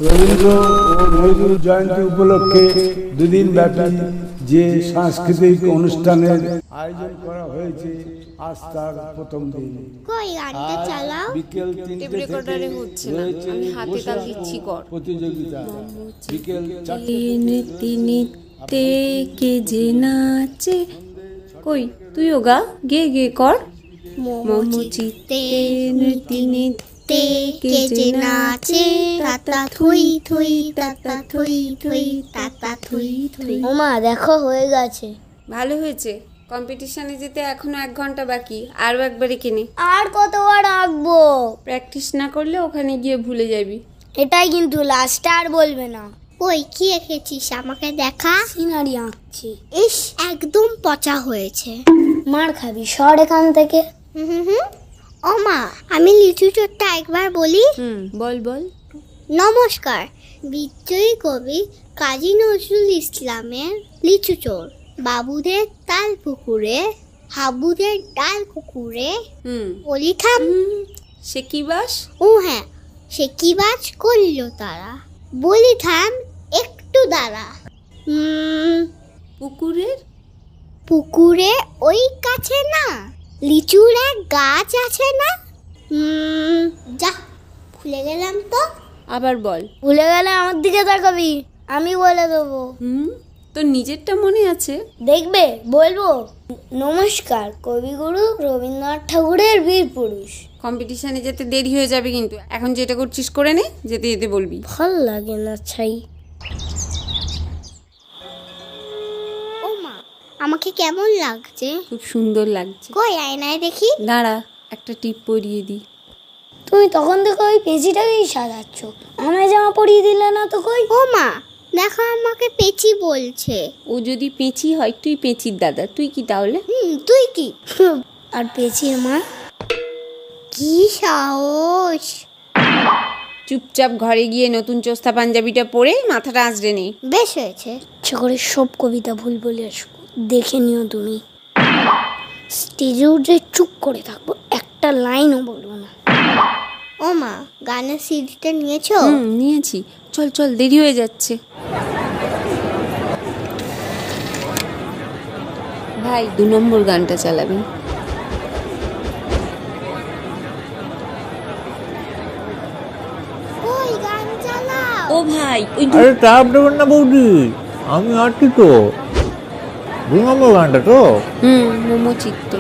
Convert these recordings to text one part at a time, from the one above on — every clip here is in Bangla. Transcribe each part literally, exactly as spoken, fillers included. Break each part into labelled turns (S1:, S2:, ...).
S1: রবীন্দ্র ও নজরুল জয়ন্তী উপলক্ষে দুদিন ব্যাপী যে সাংস্কৃতিক অনুষ্ঠানের আয়োজন করা হয়েছে আজ তার প্রথম দিন।
S2: কই গানটা চালাও।
S1: বিকেল তিনটে থেকে
S3: হচ্ছে না, আমি হাতে তাল দিচ্ছি কর।
S1: প্রতিযোগিতা বিকেল চারটে
S3: নৃত্যে নৃত্যে কে যে নাচে। কই তুইও গা, গে গে কর। মমচিতে নৃত্যে নৃত্যে
S2: কে যে নাচে তাতা থুই থুই তাতা থুই থুই তাতা থুই থুই। ওমা দেখো হয়ে গেছে।
S3: ভালো হয়েছে। কম্পিটিশনে যেতে এখনো এক ঘন্টা বাকি, আরও একবারে কিনে।
S2: আর কতবার আঁকবো?
S3: প্র্যাকটিস না করলে ওখানে গিয়ে ভুলে যাবি।
S2: এটাই কিন্তু লাস্ট, আর বলবে না। ওই কি এঁকেছিস আমাকে দেখা। সিনারি আঁকছি। ইস একদম পচা হয়েছে। মার খাবি, সর এখান থেকে। হুম হুম হুম। ও মা, আমি লিচু চোরটা একবার বলি।
S3: হুম বল বল।
S2: নমস্কার। বিদ্রোহী কবি কাজী নজরুল ইসলামের লিচু চোর। বাবুদের তাল পুকুরে, হাবুদের ডাল কুকুরে,
S3: হুম
S2: বলি থাম।
S3: সে কি বাস?
S2: ও হ্যাঁ, সে কি বাজ করল তারা, বলি থাম একটু দাঁড়া। হুম,
S3: পুকুরের
S2: পুকুরে ওই কাছে না লিচুর এক গাছ আছে না। হুম, যা ভুলে গেলাম তো।
S3: আবার বল।
S2: ভুলে গেলে আমার দিকে তাকাবি, আমি বলে দেবো।
S3: হুম, তোর নিজেরটা মনে আছে?
S2: দেখবে বলবো। নমস্কার, কবিগুরু রবীন্দ্রনাথ ঠাকুরের বীর পুরুষ।
S3: কম্পিটিশনে যেতে দেরি হয়ে যাবে কিন্তু, এখন যেটা করছিস করে নে, যেতে যেতে বলবি।
S2: ভাল লাগে না ছাই। ও মা, আমাকে কেমন লাগছে?
S3: খুব সুন্দর লাগছে।
S2: কই আয়নায় দেখি।
S3: দাঁড়া, একটা টিপ পরিয়ে দি।
S2: তুমি তখন থেকে ওই পেঁচিটাকেই সাজাচ্ছ, আমায় জামা পরিয়ে দিলে না তো। কই ও মা, দেখো আমাকে পেঁচি বলছে।
S3: ও যদি পেঁচি হয়, তুই পেঁচির দাদা, তুই কি তাহলে?
S2: হুম, তুই কি? আর পেঁচির মা? কি সাহস!
S3: চুপচাপ ঘরে গিয়ে নতুন চোস্তা পাঞ্জাবিটা পরে মাথাটা আঁচড়ে নে।
S2: বেশ হয়েছে। ইচ্ছা করে সব কবিতা ভুল বলে আসবো, দেখে নিও তুমি। স্টেজে উঠে চুপ করে থাকবো, একটা লাইনও বলবো না। ও মা, গানের সিডিটা নিয়েছো?
S3: হুম নিয়েছি, চল চল, দেরি হয়ে যাচ্ছে। ভাই দু নম্বর গানটা চালাবি।
S2: ওই গান চালাও।
S3: ও ভাই ওই
S4: আরে চাপ দেবেন না বৌদি, আমি আছি তো। দু নম্বর গানটা তো।
S3: হুম মোমো চিত্তে।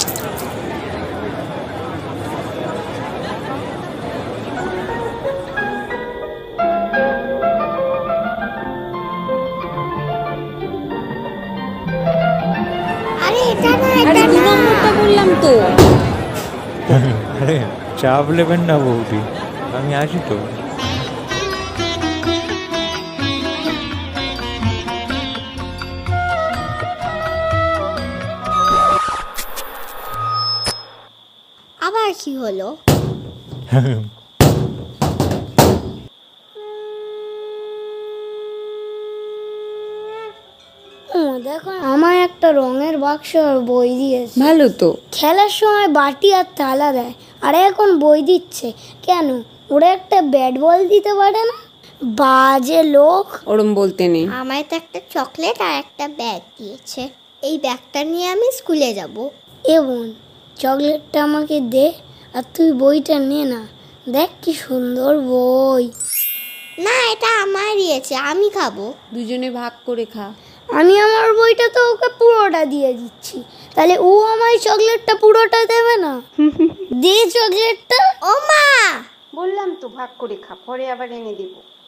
S2: আরে এটা না,
S3: আরে
S2: এটা
S3: দু
S2: না।
S3: নম্বরটা বললাম তো।
S4: আরে চাপ নেবেন না বৌদি, আমি আছি তো।
S2: আবার কি হলো? ও দেখো, আমার একটা রঙের বাক্স আর বই দিয়েছে।
S3: ভালো তো।
S2: খেলার সময় বাটি আর থালা দেয়, আর এখন বই দিচ্ছে কেন? ওরা একটা ব্যাট বল দিতে পারে না? বাজে লোক।
S3: ওরম বলতে নেই।
S2: আমায় তো একটা চকলেট আর একটা ব্যাগ দিয়েছে, এই ব্যাগটা নিয়ে আমি স্কুলে যাব। এ বোন, চকলেটটা আমাকে দে, আর তুই বইটা নে না। দেখ কি সুন্দর বই। না, এটা আমায় দিয়েছে, আমি খাবো।
S3: দুজনে ভাগ করে খা।
S2: আমি আমার বইটা তো ওকে পুরোটা দিয়ে দিচ্ছি, তাহলে ও আমায় চকলেটটা পুরোটা দেবে না? দে চকলেটটা। ও মা,
S3: বললাম তো ভাগ করে খা, পরে আবার এনে দেবো।